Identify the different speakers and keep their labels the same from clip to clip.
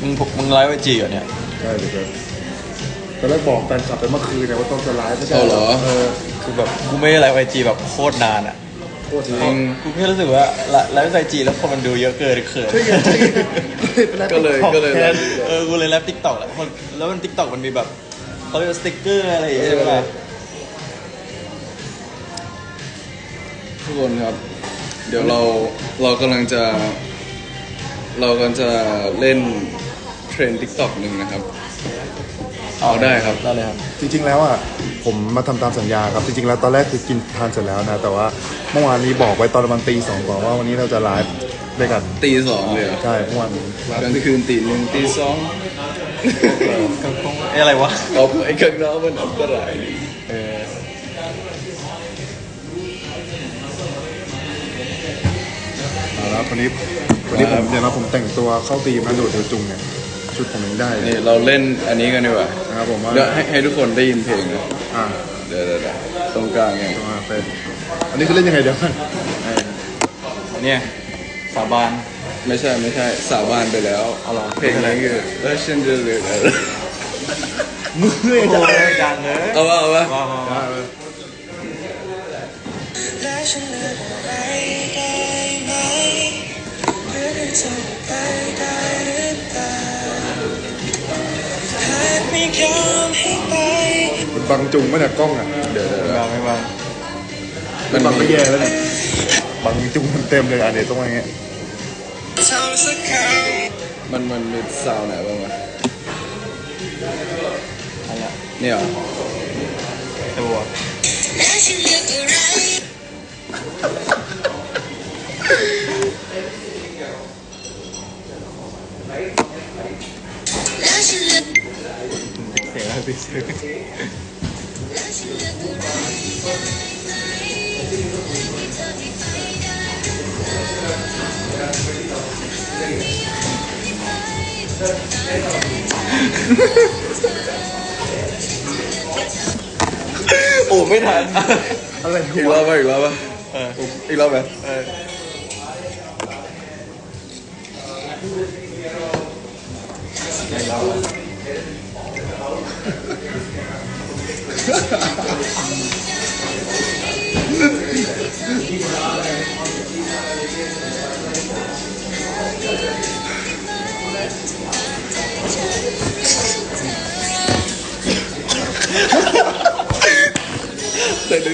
Speaker 1: มึงไลฟ์ไอจีเหรอเนี่ย
Speaker 2: ใช่เดี๋ยวตอนแรกบอกแฟนคลับไปเมื่อคืนเนี่ยว่าต้องจะไลฟ์ไม่ใช่
Speaker 1: เหรอคือแบบกูไม่ได้ไลฟ์ไอจีแบบโคตรนานอ่ะ
Speaker 2: โคตรจริง
Speaker 1: กูแค่รู้สึกว่าไลฟ์ไอจีแล้วคนมันดูเยอะเกินเขิน
Speaker 2: ก็เลยกูเลย
Speaker 1: ไลฟ์ติ๊กต็อกแหละแล้วมันติ๊กต็อกมันมีแบบเขาเรียกสติ๊กเกอร์อะไรอย่างเงี้ยใช่ไหม
Speaker 3: ทุกคนครับเดี๋ยวเรากำลังจะเล่นเทรนด์ TikTok หนึ่งนะครับเอาได้ครับ
Speaker 1: ได้เลยครับ
Speaker 2: จริงๆแล้วอ่ะผมมาทำตามสัญญาครับจริงๆแล้วตอนแรกคือกินทานเสร็จแล้วนะแต่ว่าเมื่อวานนี้บอกไว้ตอนประมาณตี 2ก่อนว่าวันนี้เราจะไลฟ์ด้วยกัน
Speaker 3: ตี 2เลย
Speaker 2: ใช่เมื่อวาน
Speaker 3: กลางคืนตี 1ตี 2
Speaker 1: อะไรวะ
Speaker 3: เอาไอ้ข้างนอกมันอันตราย
Speaker 2: แล้ววันนี้ผมเดี๋ยวนะผมแต่งตัวเข้าตีมนะโดดเดี่ยวจุงเนี่ยชุดผมยังได้
Speaker 3: นี่เราเล่นอันนี้กันดีกว่า
Speaker 2: นะครับผมว่า
Speaker 3: เดี๋ยวให้ทุกคนได้ยินเพลงนะเดี๋ยวตรงกลางไง
Speaker 2: อันนี้คือเล่นยังไงเดี๋ยวกัน
Speaker 1: เนี่ยสาบาน
Speaker 3: ไม่ใช่สาบานไปแล้วเพลงนี้คือฉันจะเลือกอะไร
Speaker 1: มือดังเลย
Speaker 3: เอาวะ
Speaker 2: มันบังจุงไม่เนี่ยกล้องอ่ะ
Speaker 3: เดี๋ยว
Speaker 1: ไม่บัง
Speaker 2: มันบังไม่แย่แล้วเนี่ยบังจุงมันเต็มเลยเดี๋ยวต้องอย่างเงี้ย
Speaker 3: มันมีซาวไหนบ้างวะเนี่ย
Speaker 1: ตัวเสียงอะไรเสียงโอ้ไม่ทัน
Speaker 2: อะไร
Speaker 3: อีกรอบป่ะอีกรอบไหมแต่เดี๋ยว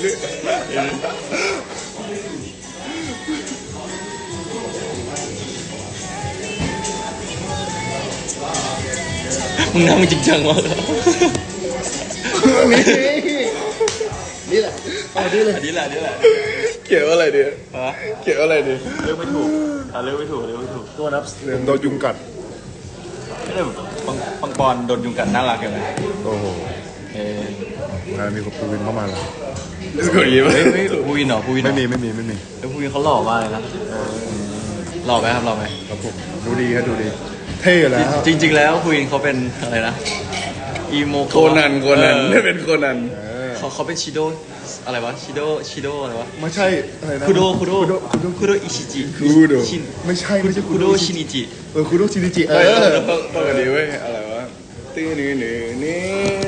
Speaker 1: มึงนั่งจริงจังวะ
Speaker 2: นี่แหละ
Speaker 1: อันนี้แหละ
Speaker 3: เกี่ยวอะไรดีเกี่ยวอะไรดี
Speaker 1: เลือกไม่ถูกเลือกไม่ถูก
Speaker 2: ตัวนับผมโดนยุงกัด
Speaker 1: ไม่ได้ปังปอนโดนยุงกัดน่ารักอย่างไร
Speaker 2: โอ้โหมีคนพูวินเข้ามาแล้ว
Speaker 3: กูยิ้ม
Speaker 1: ไม่พูวินเหรอพูวิน
Speaker 2: ไม่มี
Speaker 1: แล้วพูวินเขาหล่อมากเลยนะหล่อไหมครับ
Speaker 2: ผมดูดีครับดูดีเท่แล้ว
Speaker 1: จริงๆแล้วพูวินเขาเป็นอะไรนะอีโม
Speaker 3: โคนันไม่เป็นโคนัน
Speaker 1: เขาเป็นชิโดอะไรวะชิโดอะไรวะ
Speaker 2: ไม่ใช่อะไรนะ
Speaker 1: คุโดอิชิจิ
Speaker 2: ไม่ใช่
Speaker 1: คุโดชินิจิ
Speaker 2: คุโดชินิจิ
Speaker 3: ต้องกันดีเว้ยอะไรวะตื้อนี่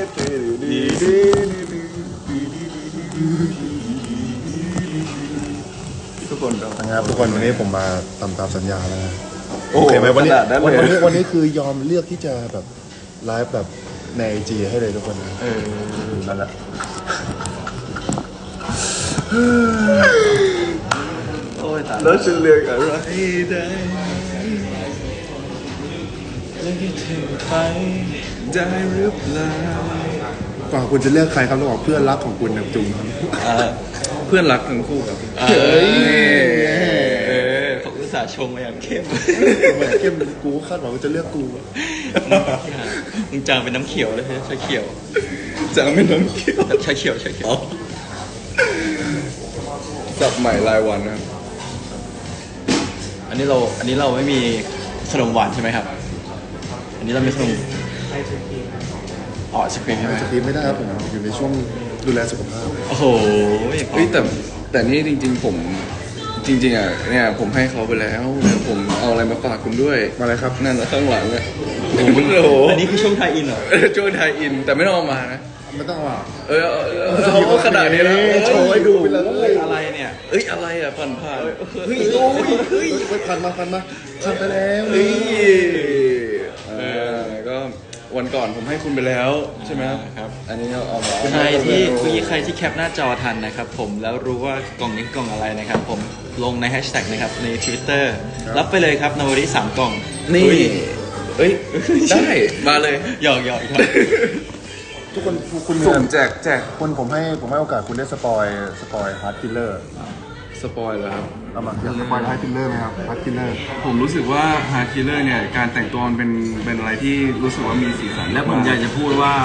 Speaker 3: ทุกคน
Speaker 2: นะครับทุกคนวันนี้ผมมาทำตามสัญญาแล้วนะโอเคไหมวันนี้คือยอมเลือกที่จะแบบไลฟ์แบบในไอจีให้เลยทุกคนนะ
Speaker 1: นั่นแหละ
Speaker 3: แล้วฉันเลือกอะไรได้เลือกที่เธอไปได้หรือเปล่า
Speaker 2: ก่อนคุณจะเลือกใครครับระหว่างเพื่อนรักของคุณกับจุงครับ
Speaker 3: เพื่อนรักทั้งคู่ครับ
Speaker 1: เขาอุตส่าห์ชงมาอย่างเข้ม
Speaker 2: กูคาดหวังว่าจะเลือกกู
Speaker 1: มึงจางเป็นน้ำเขียวเลยใช่เขียว
Speaker 3: จางเป็นน้ำเขียว
Speaker 1: ใช่เขียว
Speaker 3: จับใหม่รายวันนะ
Speaker 1: อันนี้เราไม่มีขนมหวานใช่ไหมครับอันนี้เรามีขนมไอศครีมใช่ไหม
Speaker 2: ไอศครีมไม่ได้ครับผมอยู่ในช่วงดูแลสุขภาพ
Speaker 1: โอ้โห
Speaker 3: แต่นี่จริงๆผมจริงๆอ่ะเนี่ยผมให้เขาไปแล้วเดี๋ยวผมเอาอะไรมาฝากคุณด้วย
Speaker 2: มาเลยครับ
Speaker 3: นั่นแหละข้างหลังอ่ะโอ้โห
Speaker 1: อันนี้คือช่วงไทยอินเหรอ
Speaker 3: ช่วยไทยอินแต่ไม่ต้องเอามานะ
Speaker 2: ไม่ต้องว่า
Speaker 3: เอาขนาดนี้แล้ว
Speaker 2: โชว์ให้ดูไปเลย
Speaker 1: อะไรเนี่ย
Speaker 3: เอ้ยอะไรอ่ะผ่านเฮ้ย
Speaker 2: เฮ้ยพันไปแล้ว
Speaker 3: เฮ้ยก็วันก่อนผมให้คุณไปแล้วใช่ไหม
Speaker 1: ครับ
Speaker 3: อันนี้เอามา
Speaker 1: ใครที่แคปหน้าจอทันนะครับผมแล้วรู้ว่ากล่องนี้กล่องอะไรนะครับผมลงในแฮชแท็กนะครับใน Twitter รับไปเลยครับนวริ3กล่อง
Speaker 3: นี่
Speaker 1: อุ๊ย
Speaker 3: เอ้ยได้มาเลย
Speaker 1: หยอกครับ
Speaker 2: ทุกคนคุณมี
Speaker 3: สุ่มแจก
Speaker 2: คุณผมให้โอกาสคุณได้สปอยฮาร์ดคิลเลอร์
Speaker 3: สปอยล์แล้วครับ
Speaker 2: เอามาอยากสปอยฮาร์ดคิลเลอร์ไหมครับฮาร์ดคิลเลอร์
Speaker 4: ผมรู้สึกว่าฮาร์ดคิลเลอร์เนี่ยการแต่งตัวมันเป็นอะไรที่รู้สึกว่ามีสีสันและผมอยากจะพูดว่า